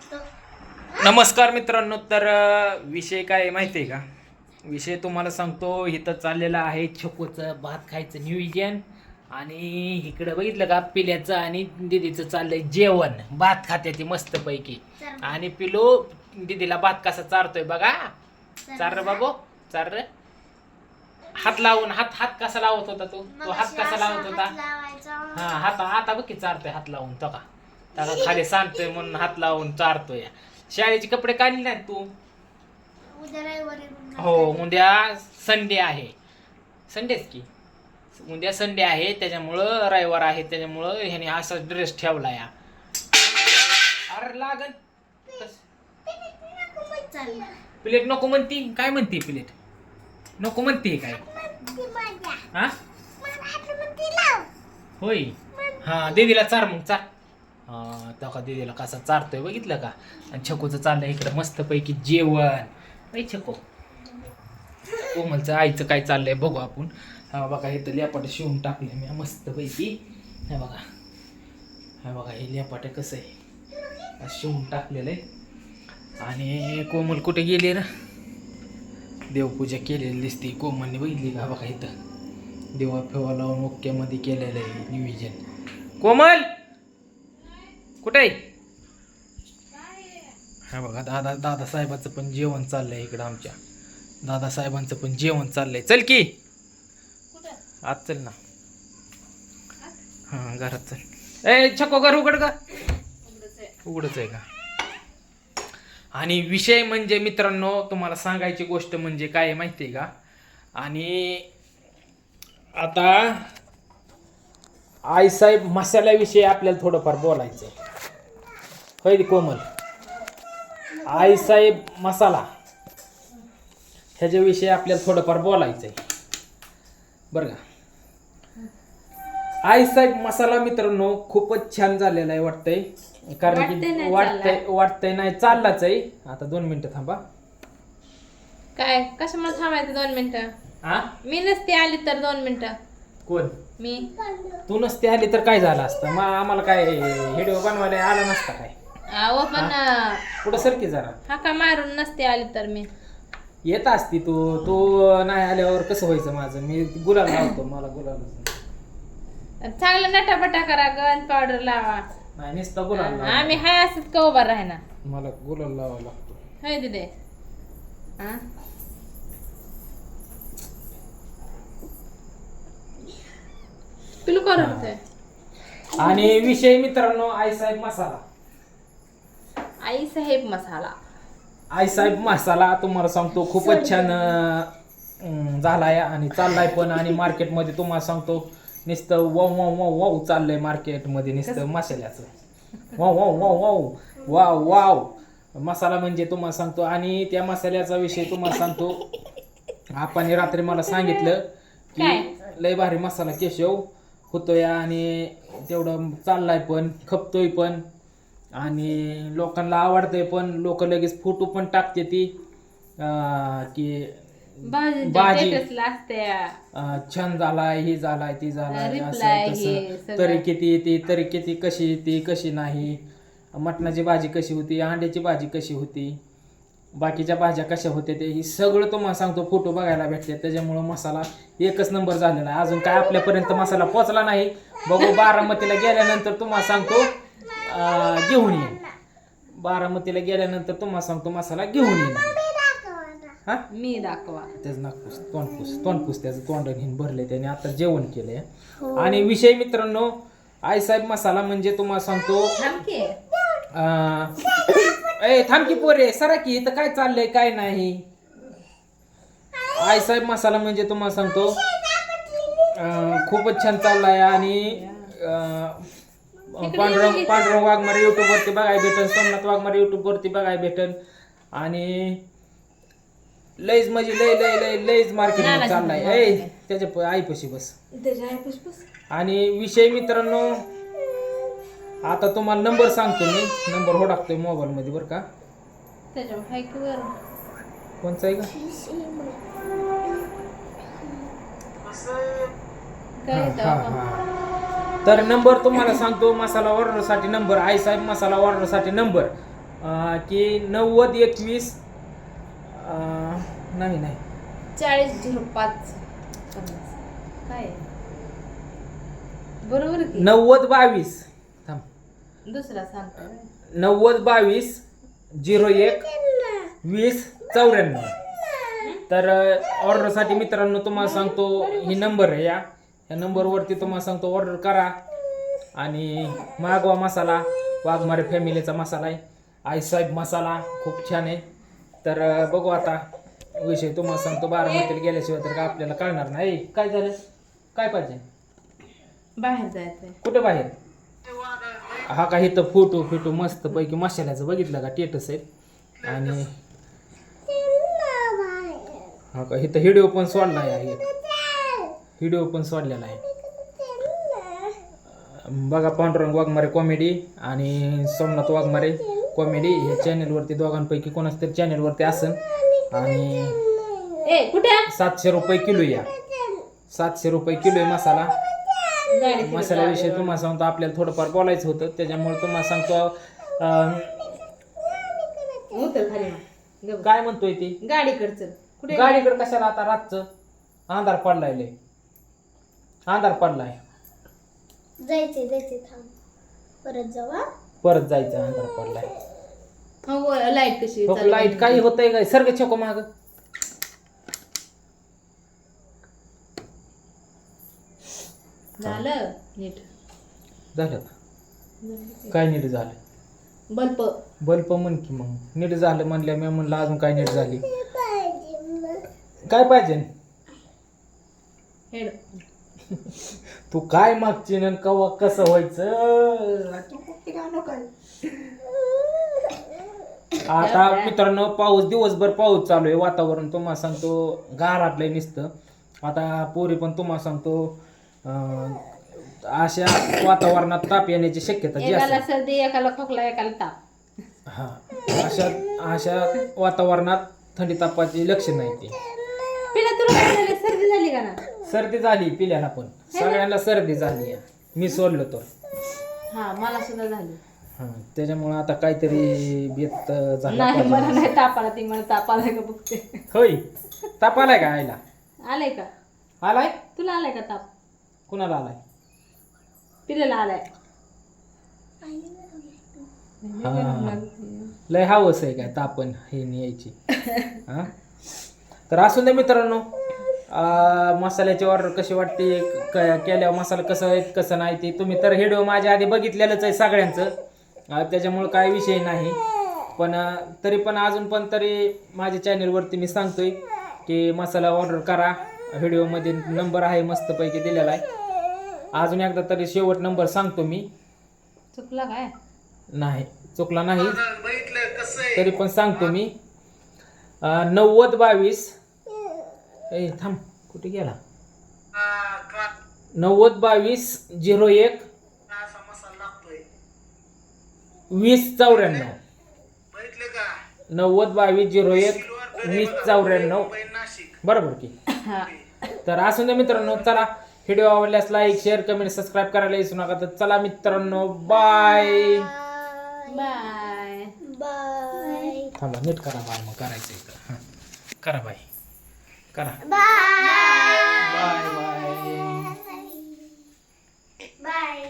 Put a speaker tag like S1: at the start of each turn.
S1: नमस्कार मित्रांनो. तर विषय काय आहे माहिती आहे का? विषय तुम्हाला सांगतो. इथं चाललेलं आहे छकोचं भात खायचं नियोजन. आणि इकडं बघितलं का पिल्याचं आणि दिदीचं चाललंय जेवण. भात खात्याची मस्त पैकी. आणि पिलो दिदीला भात कसा चारतोय बघा. चार रे बाबू चार रे. हात लावून हात हात कसा लावत होता तो हात कसा लावत होता? हा हात आता बघ की चारतोय हात लावून. तो का खाली सांगतोय म्हणून हात लावून चारतोय. शाळेचे कपडे काढले नाहीत तू? हो उद्या संडे आहे. संडेच की उद्या संडे आहे त्याच्यामुळं रविवार आहे त्याच्यामुळं ह्याने असा ड्रेस ठेवला या. अरे लागल प्लेट नको म्हणती. काय म्हणते प्लेट नको म्हणते काय? हा होय. हा दीदीला चार मग चार. हा तो दीदीला कसा चारतोय बघितलं का? आणि छकोचं चाललंय इकडं मस्त पैकी जेवण. ऐ छको कोमलचं आईचं काय चाललंय बघू आपण. हा बघा इथं लेपाट शिवून टाकले मी मस्त पैकी. हे बघा हे बघा हे लेपाट कसं आहे शिवून टाकलेलं आहे. आणि कोमल कुठे गेली ना? देवपूजा केलेली दिसते कोमलने बघितली का? बघा इथं देवा फेवा लावून ओक्यामध्ये केलेलं आहे नियोजन. कोमल कुठे आहे? हा बघा दादासाहेबांचं पण जेवण चाललंय इकडं. आमच्या दादासाहेबांचं पण जेवण चाललंय. चल की आज चल ना. हा घरात चल. ए छको घर उघड का? उघडच आहे का? आणि विषय म्हणजे मित्रांनो तुम्हाला सांगायची गोष्ट म्हणजे काय आहे माहिती आहे का? आणि आता आईसाहेब मसाल्याविषयी आपल्याला थोडंफार बोलायचं आहे. होय कोमल? आईसाहेब मसाला ह्याच्याविषयी आपल्याला थोडंफार बोलायचं आहे बरं का? आईसाहेब मसाला मित्रांनो खूपच छान झालेला आहे वाटतंय. कारण की वाटतंय नाही चाललाच आहे. आता 2 मिनिटं थांबा.
S2: काय कशामुळे थांबायचं 2 मिनिटं? मी नसते आली तर 2 मिनिटं.
S1: कोण?
S2: मी.
S1: तू नसते आली तर काय झालं असतं? मग आम्हाला काय व्हिडिओ बनवायला आला नसता काय?
S2: अहो पण
S1: पुढं सरकी जरा.
S2: हाका मारून नसते आली तर मी
S1: येत असती तू. तू नाही आल्यावर कसं व्हायचं माझं? मी गुलाल लावतो. मला गुलाल
S2: चांगलं नटापटा करा. गन पावडर लावा.
S1: नाही नुसतं गुलाल लावा.
S2: आम्ही हाय असंच का उभा राहणार?
S1: मला गुलाल लावा लागतो.
S2: होय दिदे. पिलू करत आहे.
S1: आणि विषय मित्रांनो आईसाहेब मसाला.
S2: आईसाहेब मसाला.
S1: आईसाहेब मसाला तुम्हाला सांगतो खूपच छान झालाय आणि चाललाय पण. आणि मार्केटमध्ये तुम्हाला सांगतो नुसतं वाव वाव वाव वाव चाललंय मार्केटमध्ये नुसतं मसाल्याचं. Wow wow wow wow wow wow मसाला म्हणजे तुम्हाला सांगतो. आणि त्या मसाल्याचा विषय तुम्हाला सांगतो. आपण रात्री मला सांगितलं की लय भारी मसाला केशव होतोय आणि तेवढं चाललाय पण खपतोय पण आणि लोकांना आवडतंय पण. लोक लगेच फोटो पण टाकते ती की भाजी छान झालाय हे झालाय ती झालाय असं. तरी किती येते तरी किती कशी येते कशी नाही. मटणाची भाजी कशी होती अंड्याची भाजी कशी होती बाकीच्या भाज्या कशा होत्या ते सगळं तुम्हाला सांगतो फोटो बघायला भेटते. त्याच्यामुळं मसाला एकच नंबर झालेला आहे. अजून काय आपल्यापर्यंत मसाला पोचला नाही. बघू बारामतीला गेल्यानंतर तुम्हाला सांगतो घेऊन येईन. बारामतीला गेल्यानंतर तुम्हाला सांगतो मसाला घेऊन येईन. हा
S2: मी दाखवा
S1: त्याच नागपूस तोंडपूस त्याचं तोंड घेऊन भरले त्याने. आता जेवण केलंय. आणि विषय मित्रांनो आईसाहेब मसाला म्हणजे तुम्हाला सांगतो. थांबकी पोरे सरा की इथं काय चाललंय काय नाही. आईसाहेब मसाला म्हणजे तुम्हाला सांगतो खूपच छान चाललाय. आणि पांडुरंग वाघमारे युट्यूब वरती बघायला भेटन. सोमनाथ वाघमारे युट्यूब वरती बघायला भेटन. आणि लईच म्हणजे लय लय लय लईच मार्केट चाललाय. त्याच्या आईपाशी बस. आणि विषय मित्रांनो आता तुम्हाला नंबर सांगतो मी. नंबर होडाकतोय मोबाईल मध्ये बरं का? कोणचा आहे का? तर नंबर तुम्हाला सांगतो. मसाला ऑर्डरसाठी नंबर. आईसाहेब मसाला ऑर्डरसाठी नंबर की 9021 नाही
S2: 4005 काय बरोबर की
S1: 9022 थांब
S2: दुसरा सांगतो
S1: 9022 01 20 94. तर ऑर्डरसाठी मित्रांनो तुम्हाला सांगतो ही नंबर आहे या नंबरवरती तुम्हाला सांगतो ऑर्डर करा आणि मागवा मसाला. वाघमारे फॅमिलीचा मसाला आहे, आईसाहेब मसाला खूप छान आहे. तर बघू आता विषय तुम्हाला सांगतो. बारामतीला गेल्याशिवाय तर का आपल्याला कळणार नाही. काय झालं, काय पाहिजे,
S2: बाहेर जायचंय
S1: कुठे बाहेर? हा का इथं फोटो मस्त पैकी मसाल्याचं बघितलं का टेटस आहे. आणि हा का इथं व्हिडिओ पण सोडला आहे, व्हिडिओ पण सोडलेला आहे बघा. पांडुरंग वाघमारे कॉमेडी आणि सोमनाथ वाघमारे कॉमेडी ह्या चॅनेलवरती दोघांपैकी कोणाच तरी चॅनेलवरती असेल. आणि 700 रुपये किलो या 700 रुपये किलो आहे मसाला. मसाल्याविषयी तुम्हाला सांगतो आपल्याला थोडंफार बोलायचं होतं, त्याच्यामुळे तुम्हाला सांगतो काय म्हणतोय ती
S2: गाडीकडचं कुठे
S1: गाडीकडे कशाला आता रातचं अंधार पडलाय लय अंधार पडलाय.
S3: जायचे थांब
S1: परत जायचं अंधार पडलाय.
S2: लाईट कशी
S1: लाईट काही होतंय काय सर्ग छको माग
S2: झालं नीट
S1: झालं काय नीट झालं? बल्ब म्हण की मग नीट झालं म्हणल्या मी म्हणलं अजून काय नीट झाली. काय पाहिजे
S2: हेड
S1: तू काय मागची न कवा कसं व्हायचं. आता मित्रांनो पाऊस दिवसभर पाऊस चालू आहे, वातावरण तुम्हाला सांगतो गाराटलंय नुसतं. आता पोरी पण तुम्हाला सांगतो अशा वातावरणात ताप येण्याची शक्यता जास्त.
S2: एकाला सर्दी एकाला खोकला एकाला ताप.
S1: हा अशा वातावरणात थंडी तापाची लक्षण नाही ती.
S2: सर्दी झाली का ना?
S1: सर्दी झाली पिल्याला पण सगळ्यांना सर्दी झाली. मी सोडलो तर
S2: हा मला सुद्धा झाली.
S1: हा त्याच्यामुळे आता काहीतरी बेत झाला
S2: नाही मला
S1: पाहिजे.
S2: नाही ताप आला, ती मला ताप आलाय का बघते.
S1: होय ताप आलाय का आईला?
S2: आलाय का
S1: आलाय?
S2: तुला आलाय का ताप?
S1: कुणाला आलाय?
S2: पिलेला आलाय.
S1: हा लय हवस आहे काय तापण हे न्यायची. हा तर असून दे मित्रांनो. मसाल्याची ऑर्डर कशी वाटते केल्यावर मसाला कसं आहे कसं नाही ते तुम्ही तर व्हिडिओ माझ्या आधी बघितलेलंच आहे सगळ्यांचं. त्याच्यामुळं काय विषय नाही. पण तरी पण अजून पण तरी माझ्या चॅनलवरती मी सांगतोय की मसाला ऑर्डर करा. व्हिडिओमध्ये नंबर आहे मस्तपैकी दिलेला आहे. अजून एकदा तरी शेवट नंबर सांगतो मी.
S2: चुकला काय?
S1: नाही चुकला नाही तरी पण सांगतो मी. 9022 ए थांब कुठे गेला? 9022 01 2094 9022 01 2094 बरोबर की. तर असून दे मित्रांनो. चला व्हिडिओ आवडल्यास लाईक शेअर कमेंट सबस्क्राईब करायला विसरू नका. तर चला मित्रांनो बाय
S2: बाय.
S1: थांबा नीट करा बाय मग करायचं इथं. करा बाय करा
S3: बाय
S1: बाय बाय.